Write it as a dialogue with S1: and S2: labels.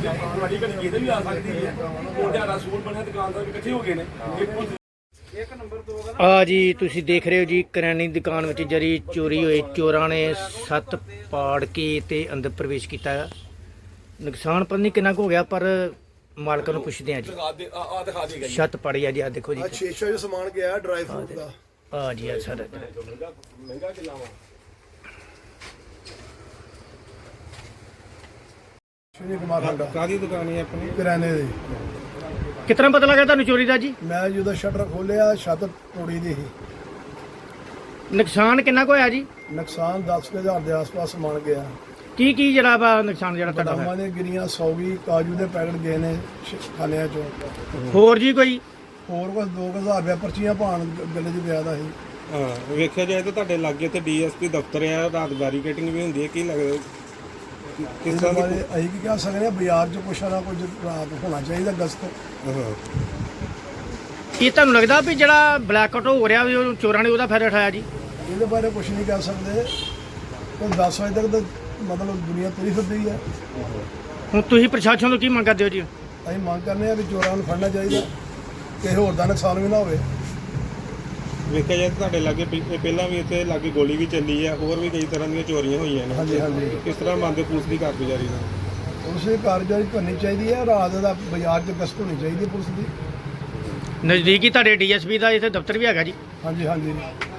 S1: ਤੁਹਾਡੀ ਘੜੀ ਕਿਤੇ ਵੀ ਆ ਸਕਦੀ ਹੈ। ਮੁੰਡਿਆਂ ਦਾ ਸੂਟ ਬਣਿਆ, ਦੁਕਾਨਦਾਰ ਵੀ ਇਕੱਠੇ ਹੋ ਗਏ ਨੇ।
S2: ਆ ਜੀ ਤੁਸੀਂ ਦੇਖ ਰਹੇ ਹੋ ਜੀ ਕਰਿਆਨੇ ਦੀ ਦੁਕਾਨ ਵਿੱਚ ਜਿਹੜੀ ਚੋਰੀ ਹੋਈ, ਚੋਰਾਂ ਨੇ ਛੱਤ ਪਾੜ ਕੇ ਤੇ ਅੰਦਰ ਪ੍ਰਵੇਸ਼ ਕੀਤਾ। ਨੁਕਸਾਨ ਪਤਾ ਨਹੀਂ ਕਿੰਨਾ ਕੁ ਹੋ ਗਿਆ, ਪਰ ਮਾਲਕ ਨੂੰ ਪੁੱਛਦੇ ਆ ਜੀ। ਛੱਤ ਪਾੜੀ ਆ ਜੀ, ਆ ਦੇਖੋ ਜੀ।
S3: ਸ਼ੀਸ਼ਾ ਜੋ ਸਮਾਨ ਗਿਆ ਡਰਾਈ ਫਰੂਟ ਦਾ।
S2: ਆ ਜੀ ਆ ਸਰ
S1: ਮਹਿੰਗਾ ਕਿੰਨਾ ਵਾ?
S3: ਸ਼੍ਰੀ ਕੁਮਾਰ ਸਾਡਾ
S4: ਕਾਹਦੀ ਦੁਕਾਨ ਹੈ ਆਪਣੀ?
S3: ਕਿਰਾਣੇ ਦੀ।
S2: ਕਿਤਨਾ ਪਤਾ ਲੱਗਾ ਤੁਹਾਨੂੰ ਚੋਰੀ ਦਾ ਜੀ?
S3: ਮੈਂ ਜਦੋਂ ਸ਼ਟਰ ਖੋਲਿਆ ਛੱਤ ਤੋੜੀ ਦੀ ਸੀ।
S2: ਨੁਕਸਾਨ ਕਿੰਨਾ ਕੁ ਹੋਇਆ ਜੀ?
S3: ਨੁਕਸਾਨ 10,000 ਦੇ ਆਸ-ਪਾਸ ਸਮਾਨ ਗਿਆ।
S2: ਕੀ ਕੀ ਜਿਹੜਾ ਵਾ ਨੁਕਸਾਨ ਜਿਹੜਾ ਤੁਹਾਡਾ
S3: ਬਦਾਮਾਂ
S2: ਹੋਇਆ?
S3: ਦੀਆਂ ਗਿਰੀਆਂ 100 ਕਾਜੂ ਦੇ ਪੈਕਟ ਗਏ ਨੇ ਖਾਲਿਆਂ ਚੋਂ।
S2: ਹੋਰ ਜੀ ਕੋਈ?
S3: ਹੋਰ ਕੁਝ 2,000 ਰੁਪਏ ਪਰਚੀਆਂ ਭਾਣ ਗੱਲੇ 'ਚ ਪਿਆ ਦਾ ਸੀ।
S4: ਹਾਂ, ਵੇਖਿਆ ਜਾਏ ਤਾਂ ਤੁਹਾਡੇ ਲਾਗੇ ਤੇ ਡੀਐਸਪੀ ਦਫ਼ਤਰ ਆ, ਰਾਤ ਬੈਰੀਕੇਟਿੰਗ ਵੀ ਹੁੰਦੀ ਹੈ। ਕੀ ਲੱਗਦਾ ਕਿਸ
S3: ਇਹਦੇ
S4: ਤਰ੍ਹਾਂ
S3: ਬਾਰੇ
S4: ਦੀ?
S3: ਅਸੀਂ ਕੀ ਕਹਿ ਸਕਦੇ ਹਾਂ, ਬਾਜ਼ਾਰ 'ਚ ਕੁਛ ਨਾ ਕੁਝ ਰਾਤ ਹੋਣਾ ਚਾਹੀਦਾ ਗਸਤ।
S4: ਹਾਂ,
S2: ਕੀ ਤੁਹਾਨੂੰ ਲੱਗਦਾ ਵੀ ਜਿਹੜਾ ਬਲੈਕਆਊਟ ਹੋ ਰਿਹਾ ਵੀ ਉਹ ਚੋਰਾਂ ਨੇ ਉਹਦਾ ਫਾਇਦਾ ਉਠਾਇਆ ਜੀ?
S3: ਇਹਦੇ ਬਾਰੇ ਕੁਝ ਨਹੀਂ ਕਹਿ ਸਕਦੇ। ਕੋਈ 10 ਵਜੇ ਤੱਕ ਤਾਂ ਮਤਲਬ ਦੁਨੀਆ ਤੁਰੀ ਫਿਰਦੀ ਹੈ।
S2: ਹੁਣ ਤੁਸੀਂ ਪ੍ਰਸ਼ਾਸਨ ਤੋਂ ਕੀ ਮੰਗ ਕਰਦੇ ਹੋ ਜੀ?
S3: ਅਸੀਂ ਮੰਗ ਕਰਨੇ ਆ ਵੀ ਚੋਰਾਂ ਨੂੰ ਫੜਨਾ ਚਾਹੀਦਾ, ਕਿਸੇ ਹੋਰ ਦਾ ਨੁਕਸਾਨ ਵੀ ਨਾ ਹੋਵੇ।
S4: ਵੇਖਿਆ ਜਾਏ ਤਾਂ ਤੁਹਾਡੇ ਲਾਗੇ ਪਹਿਲਾਂ ਵੀ ਇੱਥੇ ਲਾਗੇ ਗੋਲੀ ਵੀ ਚੱਲੀ ਆ, ਹੋਰ ਵੀ ਕਈ ਤਰ੍ਹਾਂ ਦੀਆਂ ਚੋਰੀਆਂ ਹੋਈਆਂ ਨੇ।
S3: ਹਾਂਜੀ ਹਾਂਜੀ।
S4: ਕਿਸ ਤਰ੍ਹਾਂ ਮੰਨਦੇ ਪੁਲਿਸ ਦੀ ਕਾਰਗੁਜ਼ਾਰੀ ਨਾਲ?
S3: ਉਸੇ ਕਾਰਜਕਾਰੀ ਕਰਨੀ ਚਾਹੀਦੀ ਹੈ। ਰਾਤ ਦਾ ਬਾਜ਼ਾਰ 'ਚ ਗਸ਼ਤ ਹੋਣੀ ਚਾਹੀਦੀ ਹੈ ਪੁਲਿਸ ਦੀ।
S2: ਨਜ਼ਦੀਕੀ ਤੁਹਾਡੇ ਡੀਐਸਪੀ ਦਾ ਇੱਥੇ ਦਫ਼ਤਰ ਵੀ ਹੈਗਾ ਜੀ?
S3: ਹਾਂਜੀ ਹਾਂਜੀ।